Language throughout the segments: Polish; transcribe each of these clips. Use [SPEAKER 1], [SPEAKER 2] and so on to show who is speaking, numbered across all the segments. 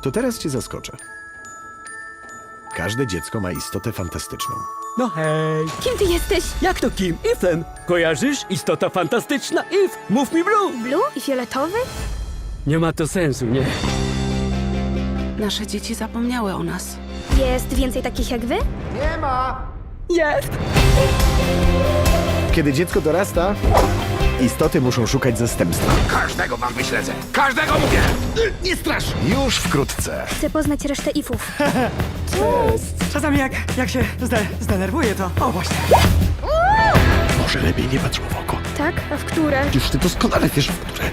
[SPEAKER 1] To teraz cię zaskoczę. Każde dziecko ma istotę fantastyczną.
[SPEAKER 2] No hej!
[SPEAKER 3] Kim ty jesteś?
[SPEAKER 2] Jak to kim? Ethan! Kojarzysz? Istota fantastyczna Eve! Mów mi Blue!
[SPEAKER 3] Blue i fioletowy?
[SPEAKER 2] Nie ma to sensu, nie?
[SPEAKER 4] Nasze dzieci zapomniały o nas.
[SPEAKER 3] Jest więcej takich jak wy?
[SPEAKER 2] Jest!
[SPEAKER 1] Kiedy dziecko dorasta, istoty muszą szukać zastępstwa.
[SPEAKER 5] Każdego wam wyśledzę! Każdego mówię!
[SPEAKER 1] Nie strasz! Już wkrótce.
[SPEAKER 3] Chcę poznać resztę ifów.
[SPEAKER 6] Czasami jak się zdenerwuję, to... O, właśnie.
[SPEAKER 1] Może lepiej nie patrz mu w oko.
[SPEAKER 3] Tak? A w które?
[SPEAKER 1] Już ty doskonale wiesz, w które.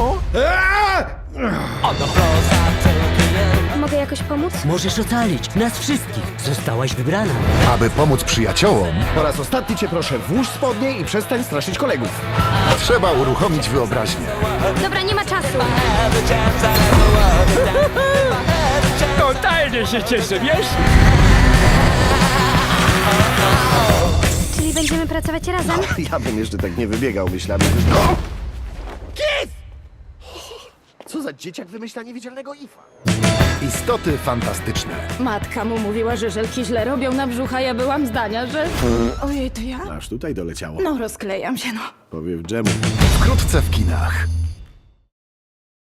[SPEAKER 3] Mogę jakoś pomóc?
[SPEAKER 2] Możesz ocalić nas wszystkich. Zostałaś wybrana.
[SPEAKER 5] Aby pomóc przyjaciołom,
[SPEAKER 1] Po raz ostatni cię proszę, włóż spodnie i przestań straszyć kolegów.
[SPEAKER 5] trzeba uruchomić wyobraźnię.
[SPEAKER 3] Dobra, nie ma czasu.
[SPEAKER 2] Totalnie się cieszę, wiesz?
[SPEAKER 3] Czyli będziemy pracować razem?
[SPEAKER 1] Ja bym jeszcze tak nie wybiegał myślami. Kif! Co za dzieciak wymyśla niewidzialnego ifa?
[SPEAKER 5] Istoty fantastyczne.
[SPEAKER 4] Matka mu mówiła, że żelki źle robią na brzuch, a ja byłam zdania, że... Ojej, to ja?
[SPEAKER 1] Aż tutaj doleciało.
[SPEAKER 4] No, rozklejam się, no.
[SPEAKER 1] Powiew dżemu.
[SPEAKER 5] Wkrótce w kinach.